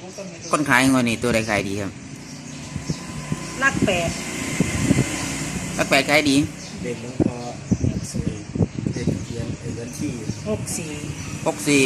คนขายงวดนี้ตัวใดขายดีครับลักแปดลักแปดขายดีเด็กน้องพอเด็กเรียนเรียนที่ 64 64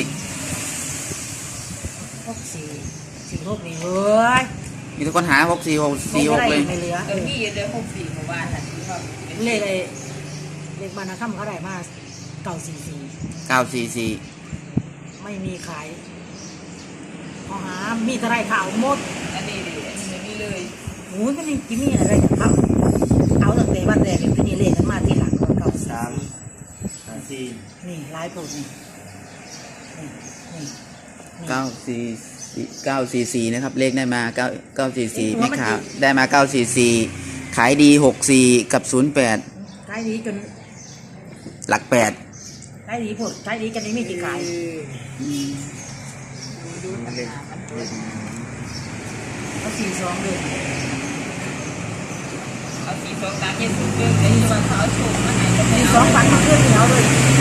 46นี่เว้ยมีทุกคนหา64 46เลยไม่เหลือพี่เดิน64หมู่บ้านน่ะที่ว่าเลขอะไรเลขบ้านนะค่ำเขาได้มา944 944 ไม่มีขายพอหามีเท่าไรข่าวหมดอันนี้ดิอันนี้ไม่มีเลยโอ้ยมันนี่กินมีอะไรจะทำเอาตั้งแต่วันแรกเลยที่นี่เลขกันมาที่หลังก็ 3 5 4 นี่ลายโปรดนี่ 944นะครับเลขได้มา944แม่ค้าได้มา944ขายดี64กับ08 ขายดีจนหลัก8 ขายดีผดขายดีจนไม่มีจีขายดูปัญหามันตัวเขา42เลยเอา42ตามเย็นสุดเกินเลยว่าเขาเอาโชคมาให้ก็ไม่เอา 42 วันมาเพื่อนเหนียวเลย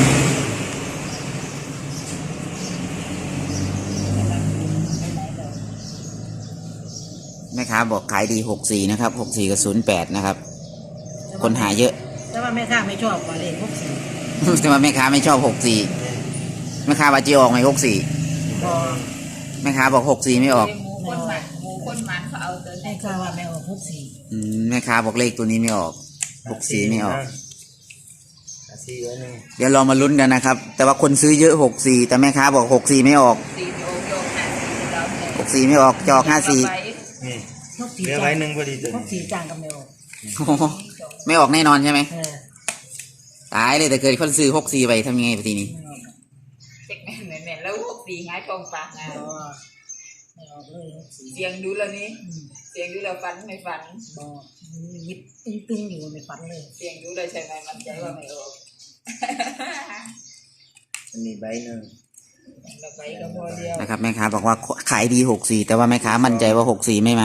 แม่ค้าบอกขายดี64นะครับ64กับ08นะครับคนหาเยอะแต่ว่าแม่ค้าไม่ชอบกว่าเลข64 แต่ว่าแม่ค้าไม่ชอบ64แม่ค้าว่าจะออกไหม64 พอแม่ค้าบอก64ไม่ออกหมูคนมันเขาเอาตัวแม่ค้าว่าไม่ออก64 แม่ค้าบอกเลขตัวนี้ไม่ออก64ไม่ออก 4ไว้นึงเดี๋ยวเรามาลุ้นกันนะครับแต่ว่าคนซื้อเยอะ64แต่แม่ค้าบอก64ไม่ออก 4โยกหา4แล้วเนี่ย 64ไม่ออกจะออก54 นี่ 64 เหลือไว้นึงพอดีตัว 64จ้างกับไม่ออกโอ้โหไม่ออกแน่นอนใช่ไหมเออตายเลยแต่เกิดคนซื้อ64ไปทำยังไงปทีนี้เช็คแม่นแล้ว64ง่ายทองปากงาไม่ออกเลย64 เสียงดูแล้วนี่เสียงดูแล้วฟันไม่ฟันบอกยิบตึงๆอยู่ไม่ฝันเลยเสียงดูเลยใช่ไหมมันใจว่าไม่ออกอันนี้ใบนึงเราไปก็พอเดียวนะครับแม่ค้าบอกว่าขายดี64แต่ว่าแม่ค้ามั่นใจว่า64ไม่มา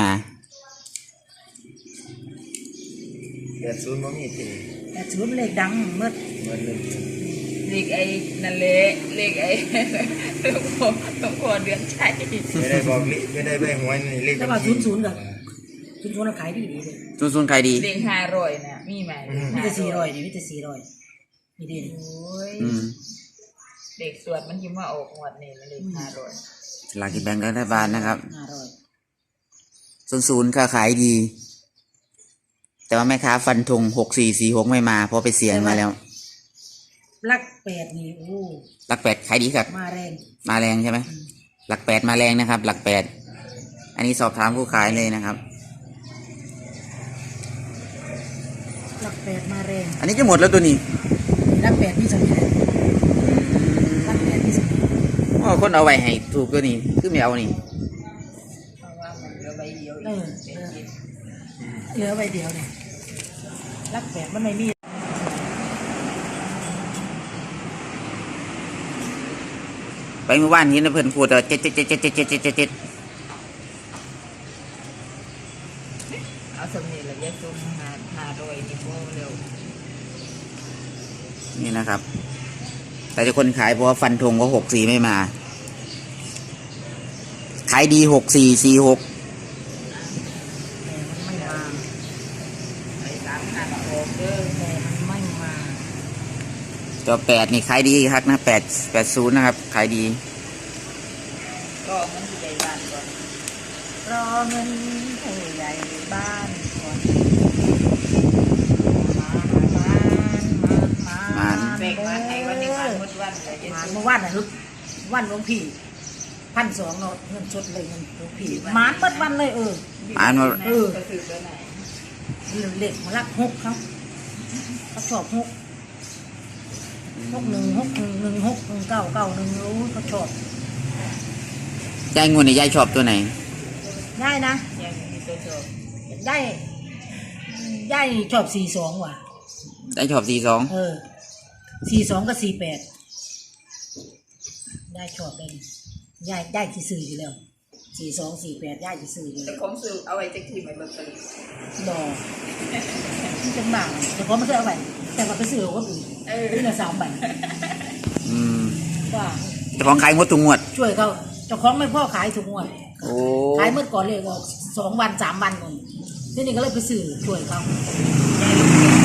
80บ่มีทีแต่ถือเป็นเลขดังเมื่อเหมือนนึงเลขไอ้นั่นเละเลขไอ้หลวงพ่อเดือนชัยไม่ได้บอกลิไม่ได้ใบหวยนี่เลขแต่ว่า00กับ00ขายดีเลยซุนขายดีเลข500น่ะมีไหมมีแต่400นี่มีแต่400นี่ดีโอ้ยอืมเด็กสวดมันยิ้มว่าออกงวดนี่มันเลข500 สลากกินแบ่งรัฐบาลนะครับ 500 ซุนก็ขายดี แต่ว่าแม่ค้าฟันธง6446ไม่มาเพราะไปเสียงมาแล้วลัก8นี่โอ้หลัก8ขายดีครับมาแรงมาแรงใช่ไหมหลัก8มาแรงนะครับ หลัก8อันนี้สอบถามผู้ขายเลยนะครับลัก8มาแรงอันนี้จะหมดแล้วตัวนี้ลัก8นี่สำคัญลัก8นี่สำคัญอ๋อคนเอาไว้ให้ถูกตัวนี้คือไม่เอานี่เพราะว่ามันเหลือใบเดียวเออีอกเป็นกินเหลือใบเดียวเนี่ยลัก8มันไม่มีไปเมื่อวานนี้นะเพิ่นพูดว่า7 เอาสำเนียงละแยกซุ้ม500นี่พอเร็วนี่นะครับ แต่จะคนขายเพราะว่าฟันธงว่า64ไม่มา ขายดี6446 แต่มันไม่มาไอ้3,000ออกเด้อแต่มันไม่มาตัว8นี่ขายดีครับนะ880นะครับขายดีก็มันอยู่ในบ้านก่อนรอเงินผู้ใหญ่บ้านก่อนมาแบ่งมาให้วันนี้วันหมดวันเลยมาเมื่อวานน่ะวันหลวงพี่1,200เนาะเงินสดเลยเงินหลวงพี่หมานเปิดวันเลยอ่านว่าก็คือตัวไหนเล็กมาลัก6เขาชอบ6 6161161991รู้เขาชอบยายงูนี่ยายชอบตัวไหนได้นะยังมีตัวชมได้ชอบ42ว่ะยายชอบ 42กับ48ได้ชอบเลยได้ที่ซื้ออยู่แล้ว4248ได้ที่ซื้ออยู่แต่แล้วของซื้อเอาไว้จะทีเหมือนลอตเตอรี่ดอกมันเป็นบางแต่พอมาซื้อเอาไปแต่ว่าไปซื้อเอาคนอื่นนี่ละ3 ใบอืมว่าเจ้าของขายงวดทุกงวดช่วยเขาเจ้าของไม่พ่อขายถูกงวดโอ้ขายเมื่อก่อนเลยออก2 วัน 3 วันนู่นที่นี่ก็เลยไปซื้อช่วยเขายายลูกเกด